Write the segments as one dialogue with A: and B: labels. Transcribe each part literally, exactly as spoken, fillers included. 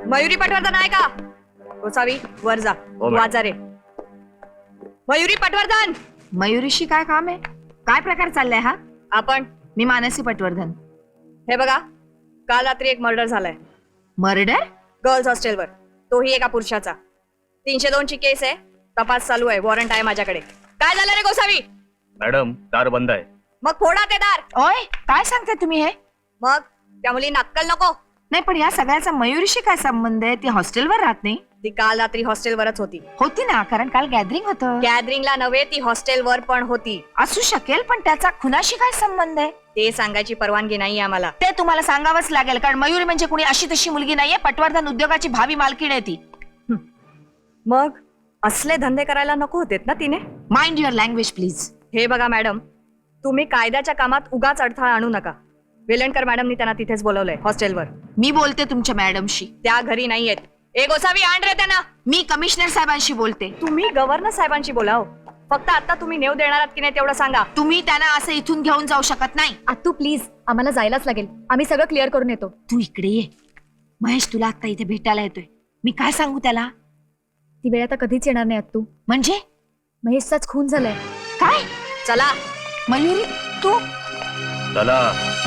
A: मयुरी पटवर्धन आहे का? गोसावी वर जा, वाजा रे. मयुरी पटवर्धन.
B: मयुरीशी काय काम आहे? काय प्रकार चाललाय हा?
A: आपण
B: मी मानसी पटवर्धन.
A: हे बघा, काल रात्री एक मर्डर झालाय.
B: मर्डर?
A: गर्ल्स हॉस्टेलवर, तोही एका पुरुषाचा. तीनशे दोन ची केस आहे, तपास चालू आहे, वॉरंट आहे माझ्याकडे. काय झालं रे गोसावी?
C: मॅडम दार बंद आहे.
A: मग फोडा ते दार.
B: ओय, काय सांगताय तुम्ही हे?
A: मग त्या मुलींना अक्कल नको?
B: नाही, पण या सगळ्याचा मयुरीशी काय संबंध आहे? ती हॉस्टेलवर राहत नाही.
A: ती काल रात्री हॉस्टेलवरच होती.
B: होती ना, कारण काल गॅदरिंग होतं.
A: गॅदरिंगला नव्हे, ती हॉस्टेलवर पण होती.
B: असू शकेल, पण त्याचा खुनाशी काय संबंध आहे?
A: ते सांगायची परवानगी नाही आम्हाला.
B: ते तुम्हाला सांगावंच लागेल, कारण मयुरी म्हणजे कुणी अशी तशी मुलगी नाहीये. पटवर्धन उद्योगाची भावी मालकीण आहे ती.
A: मग असले धंदे करायला नको होतेत ना तिने?
B: Mind your language please.
A: हे बघा मॅडम, तुम्ही कायद्याच्या कामात उगाच अडथळा आणू नका. वेलणकर मॅडमनी त्यांना तिथेच बोलवलंय हॉस्टेलवर.
B: मी बोलते तुमच्या मॅडमशी.
A: त्या घरी नाहीयेत. ए गोसावी, आण रे त्यांना.
B: मी कमिशनर साहेबांशी बोलते.
A: तुम्ही गव्हर्नर साहेबांशी बोलाव. फक्त आता तुम्ही नेव देणार आहात की नाही तेवढं सांगा.
B: तुम्ही त्यांना असं इथून घेऊन जाऊ शकत नाही.
D: आत्तू प्लीज, आम्हाला जायलाच लागेल. आम्ही सगळं क्लिअर करून येतो.
B: तू इकडे ये. महेश तुला आता इथे भेटायला येतोय. मी काय सांगू त्याला?
D: ती वेळ आता कधीच येणार नाही आत्तू.
B: म्हणजे
D: महेशचाच खून झालाय.
B: काय?
A: चला.
B: मयुरी, तू
C: चला.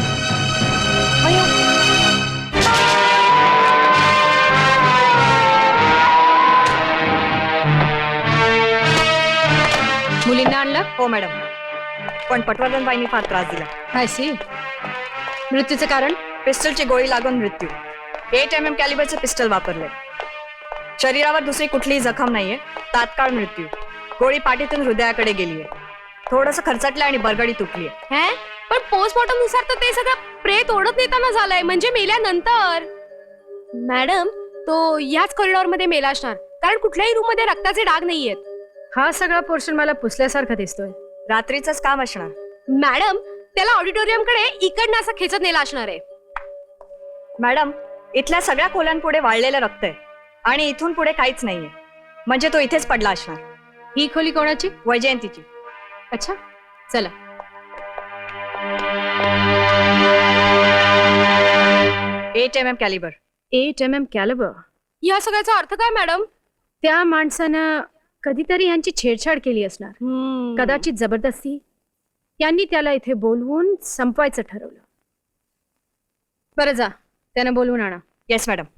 D: मुलींना आणलं?
A: हो मॅडम, पण पटवर्धन बाईंनी फार त्रास दिला.
D: काय सी? मृत्यूचं कारण?
A: पिस्टलची गोळी लागून मृत्यू. एट एम एम कॅलिबरचे पिस्टल वापरले. शरीरावर दुसरी कुठलीही जखम नाहीये. तात्काळ मृत्यू. गोळी पाठीतून हृदयाकडे गेलीये. थोडस खरचटलं आणि बरगडी तुटलीये.
E: हे पण पोस्टमॉर्टम नुसार तर ते सगळं प्रेत ओढत नेताना झालंय, म्हणजे मेल्यानंतर. मॅडम, तो याच कॉरिडॉर मध्ये मेला असणार, कारण कुठल्याही रूम मध्ये रक्ताचे डाग नाहीयेत.
D: हा सगळा पोर्शन मला पुसल्यासारखा दिसतोय.
A: रात्रीच काम असणार.
E: मॅडम, त्याला ऑडिटोरियम कडे इकडनं असं खेचत नेला असणार आहे.
A: मॅडम, इथल्या सगळ्या खोल्यांपुढे वाळलेलं रक्त आहे आणि इथून पुढे काहीच नाहीये. म्हणजे तो इथेच पडला असणार.
D: ही खोली कोणाची?
A: वैजयंतीची.
D: अच्छा, चला.
A: Eight M M calibre.
D: Eight M M calibre.
E: या सगळ्याचा अर्थ काय मॅडम?
D: त्या माणसानं कधीतरी यांची छेडछाड केली असणार. कदाचित जबरदस्ती. यांनी त्याला इथे बोलवून संपवायचं ठरवलं. बरं, जा, त्यानं बोलवून आणा.
A: Yes madam.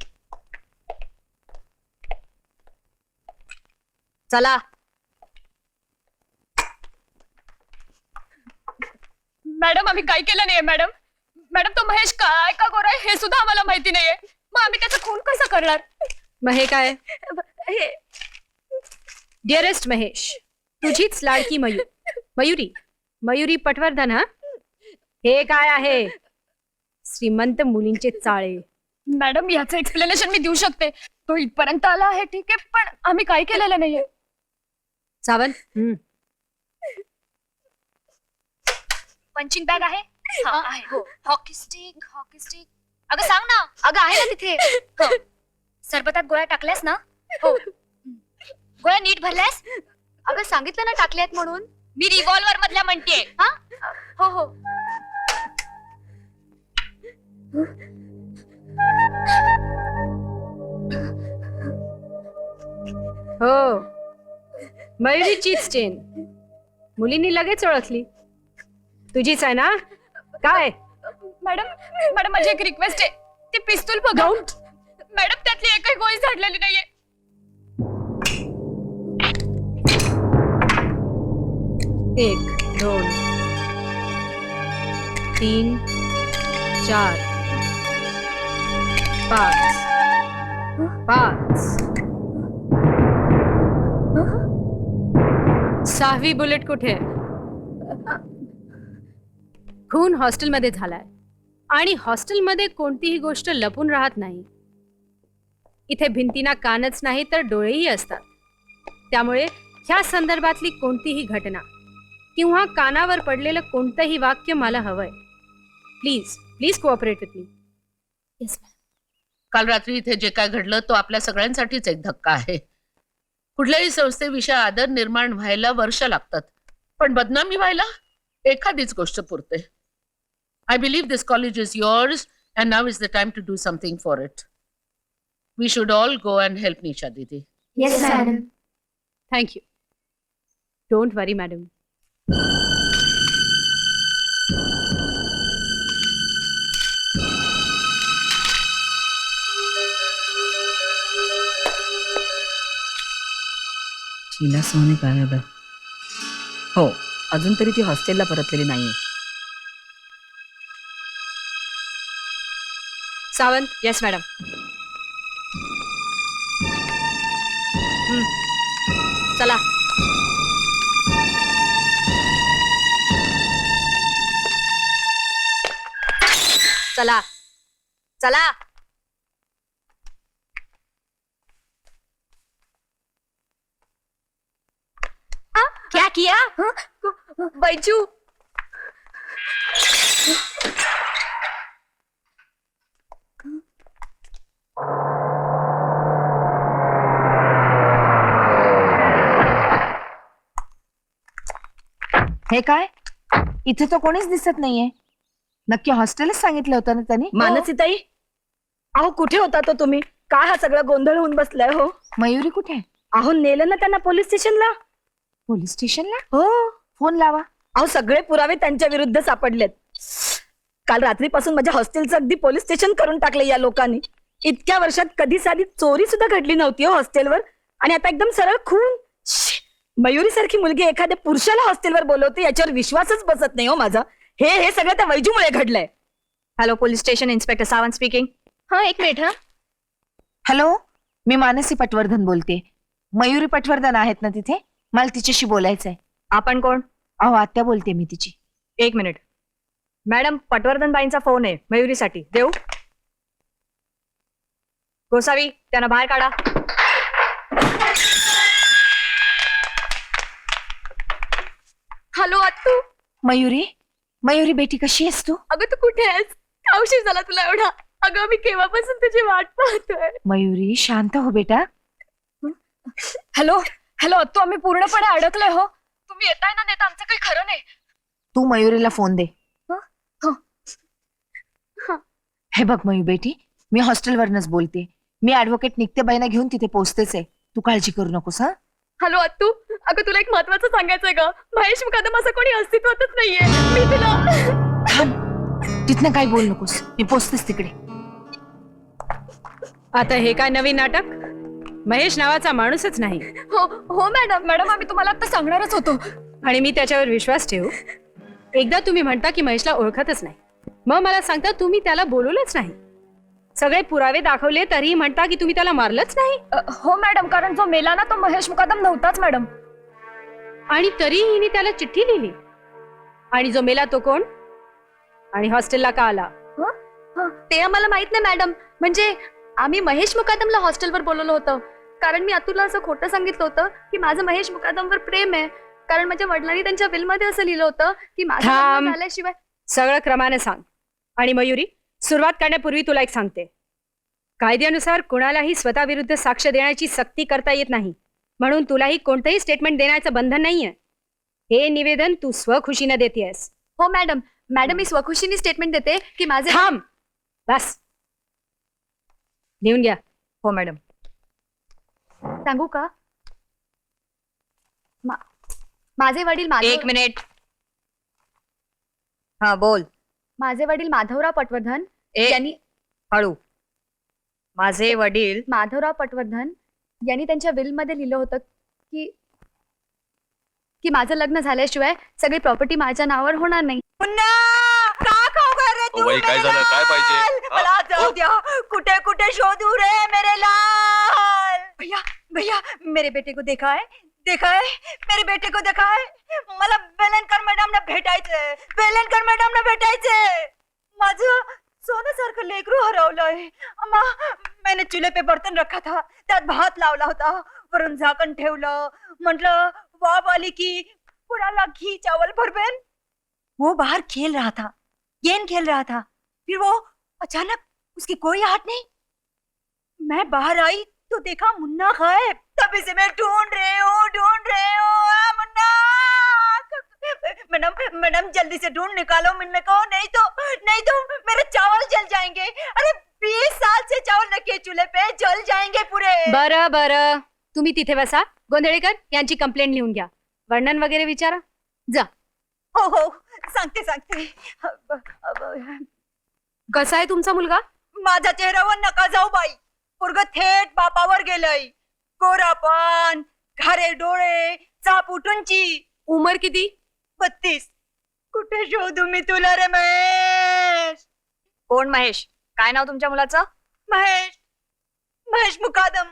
A: चला.
E: मॅडम, आम्ही काय केलं नाहीये मॅडम. मॅडम, तो महेश काय का गोरा आहे हे सुद्धा आम्हाला माहिती नाहीये. मग आम्ही त्याचा खून कसा करणार?
D: मग हे काय? डिअरेस्ट महेश, तुझीच लाडकी मयूर मयुरी मयुरी पटवर्धन. हा, हे काय आहे? श्रीमंत मुलींचे चाळे.
E: मॅडम, याचं एक्सप्लेनेशन मी देऊ शकते. तो इथपर्यंत आला आहे, ठीक आहे, पण आम्ही काय केलेलं नाहीये.
D: सावंत,
E: पंचिंग बॅग आहे? Hockey stick, hockey stick. अगं सांग ना. अगं आहे ना तिथे. हो. सरबतात गोळ्या टाकल्यास ना? हो. गोळ्या नीट भरल्यास? अगं सांगितलं ना टाकल्यात म्हणून. मी रिव्हॉल्वर मधल्या म्हणतेय. हा, हो हो.
D: हो, मयुरीचीच चेन. मुलींनी लगेच ओळखली. तुझीच आहे ना? काय?
E: मॅडम, मॅडम माझी एक रिक्वेस्ट आहे. ते पिस्तूल बघा. मॅडम, त्यातली एकही गोळी झाडलेली नाहीये.
D: एक, दोन, तीन, चार, पाच, पाच. सहावी बुलेट कुठे? खून हॉस्टेलमध्ये झालाय आणि हॉस्टेलमध्ये कोणतीही गोष्ट लपून राहत नाही. इथे भिंतींना कानच नाही तर डोळेही असतात. त्यामुळे ह्या संदर्भातली कोणतीही घटना किंवा कानावर पडलेलं कोणतंही वाक्य मला हवंय. Please please cooperate with me.
E: Yes ma'am.
F: काल रात्री इथे जे काय घडलं तो आपल्या सगळ्यांसाठीच एक धक्का आहे. कुठल्याही संस्थेविषयी आदर निर्माण व्हायला वर्ष लागतात, पण बदनामी व्हायला एखादीच गोष्ट पुरते. I believe this college is yours and now is the time to do something for it. We should all go and help Nisha didi.
E: Yes madam.
D: Thank you. Don't worry madam.
A: Sheela Sone गायब आहे. हो, अजून तरी ती हॉस्टेलला परतलेली नाहीये. सावंत. Yes madam. चला. चला चला.
E: क्या किया?
A: बैजू.
B: हे काय? इथे तर कोणीच दिसत नाहीये. नक्की हॉस्टेलच सांगितलं होतं ना त्यांनी?
A: मानसीताई, अहो कुठे होता तो तुम्ही? काय हा सगळा गोंधळ होऊन बसलाय हो?
B: मयुरी कुठे आहे?
A: अहो नेलं ना त्यांना पोलीस स्टेशनला.
B: पोलीस स्टेशनला?
A: हो.
B: फोन लावा.
A: अहो सगळे पुरावे त्यांच्या विरुद्ध सापडलेत. काल रात्रीपासून माझ्या हॉस्टेलचं अगदी पोलीस स्टेशन करून टाकले या लोकांनी. इतक्या वर्षात कधी साधी चोरी सुद्धा घडली नव्हती हो हॉस्टेलवर, आणि आता एकदम सरळ खून. मयुरी सारखी मुलगी एखाद्या पुरुषाला हॉस्टेलवर बोलवते याच्यावर विश्वासच बसत नाही हो माझा. हे हे सगळं त्या वैजूमुळे घडलंय. Hello, police station inspector Sawant speaking.
E: हा एक मिनिट. हा
B: हॅलो, मी मानसी पटवर्धन बोलते. मयुरी पटवर्धन आहेत ना तिथे? मला तिच्याशी बोलायचंय.
A: आपण कोण?
B: अहो आत्या बोलते मी तिची.
A: एक मिनिट मॅडम, पटवर्धन बाईंचा फोन आहे मयुरीसाठी. देऊ? गोसावी, त्यांना बाहेर काढा.
E: हॅलो अत्तू.
B: मयुरी, मयुरी बेटी कशी आहेस तू?
E: अगं तू कुठे आहेस? का उशीर झाला तुला एवढा? अगं मी केव्हापासून तुझी वाट पाहतोय.
B: मयुरी शांत हो बेटा.
E: हॅलो हॅलो अत्तू, आम्ही पूर्णपणे अडकलोय हो. तुम्ही येताय ना? नाही तर आमचं काही खरं नाही.
B: तू मयुरीला फोन दे.
E: हं? हं. हं.
B: हे बघ मयू बेटी, मी हॉस्टेलवरनच बोलते. मी ऍडव्होकेट नित्याबाईंना घेऊन तिथे पोहोचतेच आहे. तू काळजी करू नकोस. हा
E: हॅलो अत्तू, अगं तुला एक महत्वाचं सांगायचंय ग. महेश मुकादम असं कोणी अस्तित्वातच नाहीये. मी तुला
B: थांब, तिथनं काही बोल नकोस. मी पोहोचतेच तिकडे.
D: आता हे काय नवीन नाटक? महेश नावाचा माणूसच नाही.
E: हो हो मॅडम. मॅडम आम्ही तुम्हाला आता सांगणारच होतो.
D: आणि मी त्याच्यावर विश्वास ठेवू? एकदा तुम्ही म्हणता की महेशला ओळखतच नाही, मग मला सांगता तुम्ही त्याला बोलवलंच नाही. सगळे पुरावे दाखवले तरीही म्हणता की तुम्ही त्याला मारलंच नाही.
E: अ, हो मॅडम, कारण जो मेला ना तो महेश मुकादम नव्हताच मॅडम.
D: आणि तरीही हिने त्याला चिठ्ठी लिहिली. आणि जो मेला तो कोण? आणि हॉस्टेलला का आला?
E: हं, ते आम्हाला माहित नाही मॅडम. म्हणजे आम्ही महेश मुकादमला हॉस्टेलवर बोलवलं होतं, कारण मी अतुलला असं खोटं सांगितलं होतं की माझं महेश मुकादमवर प्रेम आहे. कारण माझ्या वडिलांनी त्यांच्या विलमध्ये असं लिहिलं होतं की माझं
D: थांब.
E: लग्न झाल्याशिवाय.
D: सगळं क्रमाने सांग. आणि मयुरी, सुरुवात करण्यापूर्वी तुला एक सांगते. कायद्यानुसार कुणालाही स्वतःविरुद्ध साक्ष देण्याची सक्ती करता येत नाही, म्हणून तुलाही कोणतंही स्टेटमेंट देण्याचं बंधन नाहीये. हे निवेदन तू स्वखुशीने देतेस.
E: हो मॅडम. मॅडम मी स्वखुशीने स्टेटमेंट देते की माझे.
D: थांब, बस. लिहून घ्या.
A: हो मॅडम.
E: सांगू का? मा- माझे वडील माधव
A: एक मिनिट. हा बोल.
E: माझे वडील माधवराव पटवर्धन
A: ए-
E: यांनी
A: हळू. माझे वडील.
E: माधवराव पटवर्धन यांनी त्यांच्या विल मध्ये लिहिलं होतं की की माझं लग्न झाल्याशिवाय सगळी प्रॉपर्टी माझ्या नावावर होणार नाही.
C: ओ बाई, काय झालं? काय पाहिजे? हा?
A: मला जाऊ द्या. कुठे कुठे शोधू रे मेरे लाल. भैया भैया, मेरे बेटे को देखा है? देखा है? मेरे बेटे को देखा है? मला बेलनकर मॅडम ना भेटायचंय. बेलनकर मॅडम ना भेटायचंय. माझं सोन्यासारखं लेकरू हरवलंय. अम्मा, मैंने चूल्हे पे बर्तन रखा था, त्यात भात लावला होता, वरून झाकण ठेवलं. म्हटलं वाप आली की कुणाला घी चावल भरपेन. वो बाहर खेल रहा था, गेम खेल रहा था. फिर वो अचानक उसकी कोई आहट नहीं. मैं बाहर आई तो देखा मुन्ना गायब. तभी से मैं ढूंढ रही हूँ ढूंढ रही हूँ. आ, मुन्ना. मैडम मैडम जल्दी से ढूंढ निकालो मुन्ना को, नहीं तो नहीं तो मेरे चावल जल जाएंगे. अरे बीस साल से चावल रखे चूल्हे पे, जल जाए.
D: बरं बरं तुम्ही तिथे बसा. गोंधळेकर यांची कंप्लेंट लिहून घ्या. वर्णन वगैरे विचारा. जा.
A: हो हो सांगते सांगते. अब- अब-
D: कसा आहे तुमचा मुलगा?
A: माझ्या चेहऱ्यावर नका जाऊ बाई. पोरग थेट बापावर गेलंय. गोरापान, घारे डोळे, चाप उठूनची.
D: उमर किती?
A: बत्तीस. कुठे शोधू मी तुला रे महेश? कोण महेश? काय नाव तुमच्या मुलाचं? महेश. महेश मुकादम.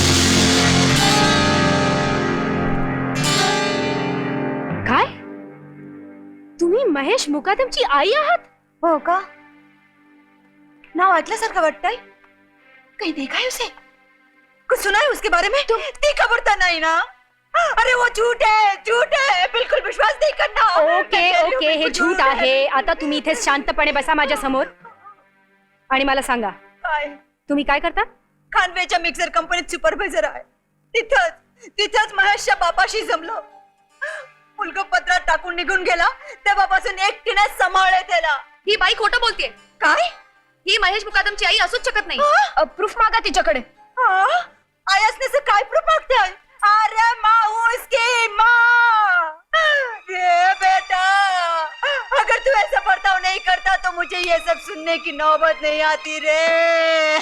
D: काय? तुम्ही महेश मुकादमची आई आहात?
A: हो का? नाव ऐकल्यासारखं वाटतंय. कहीं देखा है उसे? कुछ सुना है उसके बारे में? ती खबर तो नहीं ना? अरे वो झूठ है, झूठ है. बिल्कुल विश्वास नहीं करना.
D: ओके ओके हे झूट आहे. आता तुम्ही इथे शांतपणे बसा माझ्या समोर आणि मला सांगा
A: काय?
D: तुम्ही काय करता?
A: खानवेच्या मिक्सर कंपनीत सुपरवायझर आहे. तिथंच तिथंच महेशच्या बापाशी जमलो. मुलगा पत्रात टाकून निघून गेला. तेव्हापासून एकटीने सांभाळले त्याला.
E: ही बाई खोटं बोलतेय.
A: काय?
E: ही महेश मुकादमची आई असूच शकत नाही.
A: प्रूफ मागा तिच्याकडे. आई असण्याचं काय प्रूफ मागताय? अरे माँ उसकी माँ. ये बेटा, अगर तू ऐसा बर्ताव नहीं करता तो मुझे ये सब सुनने की नौबत नहीं आती रे.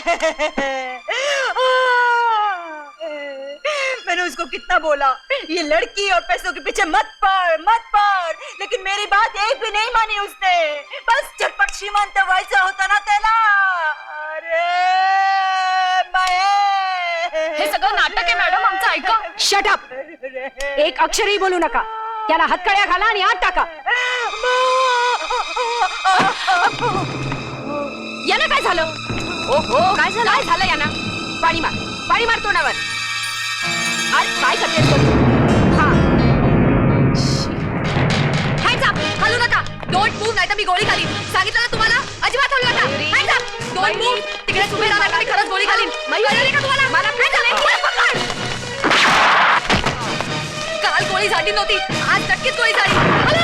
A: मैंने उसको कितना बोला, ये लड़की और पैसों के पीछे मत पड़, मत पड़. लेकिन मेरी बात एक भी नहीं मानी उसने. बस झटपट श्रीमंत व्हायचं होतं ना त्याला. अरे
E: हे सगळं नाटक आहे मॅडम, आमचं ऐका.
D: Shut up. एक अक्षरही बोलू नका. याला हातकड्या घाला आणि आत टाका. याला काय झालं? ओहो काय झालं? काय झालं याना? पाणी मार, पाणी मार तोंडावर. आज काय करतेस तू? हा
E: Hands up! हलू नका. डोंट मूव्ह नाहीतर मी गोळी घालीन. सांगितलं ना तुम्हाला. अजिबात हलू नका. Hands up! Don't move. तिकडे उभे राहा नाहीतर मी खरंच गोळी घालीन. कळलं नाही का तुम्हाला? मला Hands up! मला पकड. काल गोळी झाली नव्हती, आज नक्कीच गोळी झाली. हलू